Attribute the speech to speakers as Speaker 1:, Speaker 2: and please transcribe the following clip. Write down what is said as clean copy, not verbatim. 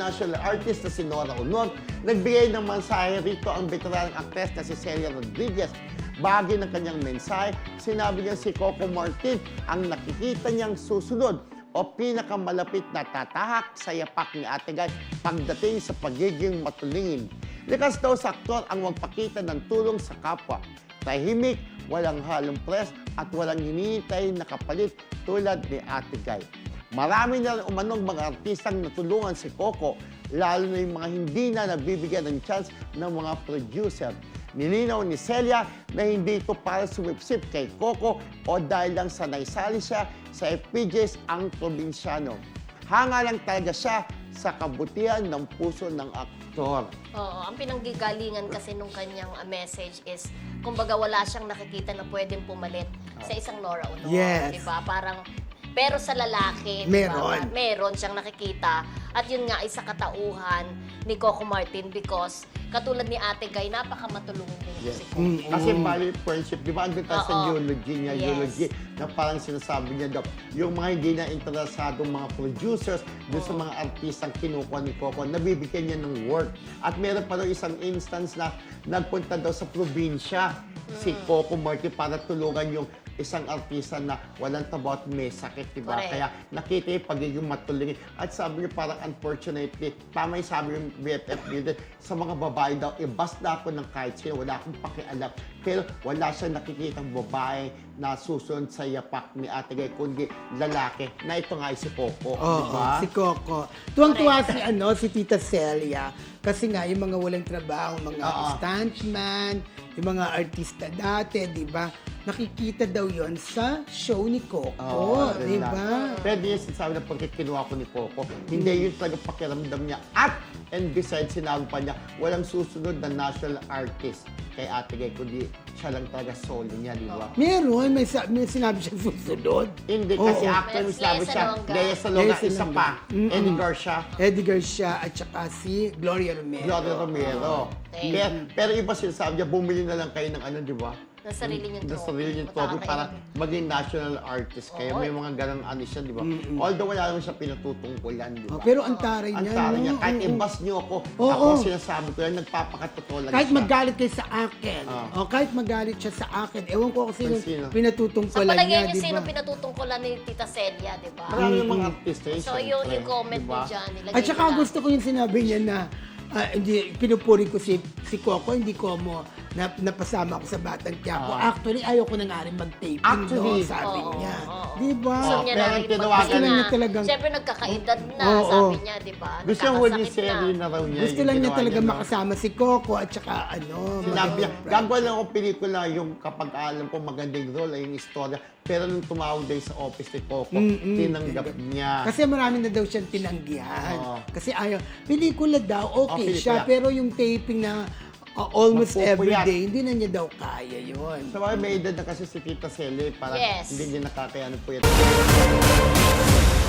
Speaker 1: national artist na si Nora Honor. Nagbigay ng mensahe rito ang veteranang actress na si Celia Rodriguez. Bahagi ng kanyang mensahe, sinabi niya si Coco Martin ang nakikita niyang susunod o pinakamalapit na tatahak sa yapak ni Ate Guy pagdating sa pagiging matulingin. Likas daw sa aktor ang magpakita ng tulong sa kapwa. Tahimik, walang halong press at walang hinihintay na kapalit tulad ni Ate Guy. Marami na rin umanong mga artistang natulungan si Coco, lalo na yung mga hindi na nabibigyan ng chance ng mga producer. Nilinaw ni Celia na hindi ito para sumipsip kay Coco o dahil lang sa naisali siya sa FPJs ang probinsyano. Hanga lang talaga siya sa kabutihan ng puso ng aktor.
Speaker 2: Oo, ang pinanggigalingan kasi nung kanyang message is, kumbaga wala siyang nakikita na pwedeng pumalit sa isang Nora Honor.
Speaker 3: Yes.
Speaker 2: Diba? Parang, pero sa lalaki,
Speaker 3: Meron.
Speaker 2: diba? Meron siyang nakikita. At yun nga, isa katauhan ni Coco Martin because katulad ni Ate Guy, napakamatulungin din
Speaker 1: Yes.
Speaker 2: si Coco.
Speaker 1: Kasi bali friendship, di ba andun tayo sa
Speaker 2: Oo.
Speaker 1: eulogy niya,
Speaker 2: Yes.
Speaker 1: eulogy, na parang sinasabi niya daw, yung mga hindi na interesadong mga producers, doon sa mga artistang kinukuha ni Coco, nabibigyan niya ng work. At meron pa daw isang instance na nagpunta daw sa probinsya si Coco Martin para tulungan yung isang artista na walang tabo at may sakit, di ba?
Speaker 2: Correct.
Speaker 1: Kaya nakita yung pagiging matulungin. At sabi niya parang unfortunately, tama yung sabi yung BFF niya din, sa mga babae daw, basta ako ng kahit sino, wala akong pakialam. Pero wala siyang nakikitang babae na susunod sa yapak ni Ate Guy, kundi lalaki, na ito nga ay si Coco,
Speaker 3: Oo,
Speaker 1: di ba?
Speaker 3: si Coco. Tuwang-tuwa si Tita Celia. Kasi nga, yung mga walang trabaho, mga stuntman, yung mga artista dati, di ba? Nakikita daw yon sa show ni Coco,
Speaker 1: Oo,
Speaker 3: di
Speaker 1: yun lang.
Speaker 3: ba?
Speaker 1: Pero di yung sinasabi na pagka kinuha ko ni Coco, hindi yun talaga pakiramdam niya. And besides, sinabi pa niya, walang susunod na national artist kay Ate Guy, kundi siya lang talaga solo niya, di ba?
Speaker 3: Meron, may sinabi siya susunod.
Speaker 1: Hindi, kasi
Speaker 3: Oo.
Speaker 1: actor may sinabi
Speaker 2: Lea
Speaker 1: siya,
Speaker 2: Salonga.
Speaker 1: Lea Salonga,
Speaker 3: Lea
Speaker 1: isa
Speaker 3: Salonga.
Speaker 1: pa, Eddie Garcia,
Speaker 3: Edgar siya at saka si Gloria Romero.
Speaker 1: Gloria Romero.
Speaker 2: Okay.
Speaker 1: Pero iba sinasabi niya, bumili na lang kayo ng ano, di ba?
Speaker 2: Na sarili niyong
Speaker 1: Na
Speaker 2: trophy.
Speaker 1: sarili niyong trophy para
Speaker 2: Makakailan.
Speaker 1: maging national artist kayo.
Speaker 2: Oo.
Speaker 1: May mga ganang ano siya, di ba? Although wala naman siya pinatutungkulan, di ba?
Speaker 3: Pero ang taray
Speaker 1: Ang
Speaker 3: niya,
Speaker 1: tara niya,
Speaker 3: no?
Speaker 1: kahit
Speaker 3: Oo.
Speaker 1: i-bus niyo ako,
Speaker 3: Oo.
Speaker 1: ako sinasabi ko yan, nagpapakatotoo lang
Speaker 3: Kahit
Speaker 1: siya.
Speaker 3: magalit kayo sa akin, o kahit magalit siya sa akin, ewan ko kung sino
Speaker 1: Sino?
Speaker 2: Sa
Speaker 3: pinatutungkulan
Speaker 2: palagay
Speaker 3: niya,
Speaker 2: niyo,
Speaker 3: di
Speaker 2: sino
Speaker 3: ba?
Speaker 2: pinatutungkulan ni Tita Celia, di ba?
Speaker 1: Marami yung mga artista yun,
Speaker 2: So,
Speaker 1: syempre,
Speaker 2: yung comment
Speaker 1: di ba?
Speaker 2: mo dyan, nilagay
Speaker 3: At saka
Speaker 2: nila.
Speaker 3: gusto ko yung sinabi niya na hindi, pinupuri ko si Coco, hindi ko mo napasama ako sa Batang Quiapo. Actually, ayaw ko na nga rin mag-taping
Speaker 1: Actually,
Speaker 3: sabi
Speaker 2: oo,
Speaker 3: niya.
Speaker 2: oo.
Speaker 3: Di ba?
Speaker 2: Gusto niya
Speaker 1: pero
Speaker 2: na rin
Speaker 1: tinawagan
Speaker 3: Gusto lang niya talagang-
Speaker 2: Siyempre, nagkakaedad na,
Speaker 3: Oo.
Speaker 2: sabi niya, di ba?
Speaker 1: Gusto yung huli
Speaker 2: Nagkakasakit
Speaker 1: serie na raw niya.
Speaker 3: Gusto
Speaker 1: yung
Speaker 3: lang niya
Speaker 1: ginawa
Speaker 3: talaga
Speaker 1: no?
Speaker 3: makasama si Coco at saka
Speaker 1: Sinabi niya, gagawa lang ako pelikula yung kapag alam ko magandang role ay yung istorya. Pero nung tumawag din sa office ni Coco, tinanggap niya.
Speaker 3: Kasi marami na daw siyang tinanggihan.
Speaker 1: Oo.
Speaker 3: Kasi ayaw. Pelikula daw, okay
Speaker 1: pelikula.
Speaker 3: siya. Pero yung taping na almost every
Speaker 1: Magpupuyat.
Speaker 3: day, hindi na niya daw kaya yun.
Speaker 1: Sa mga may edad na kasi si Tita Celia, parang
Speaker 2: Yes.
Speaker 1: hindi niya nakakayanan po yan.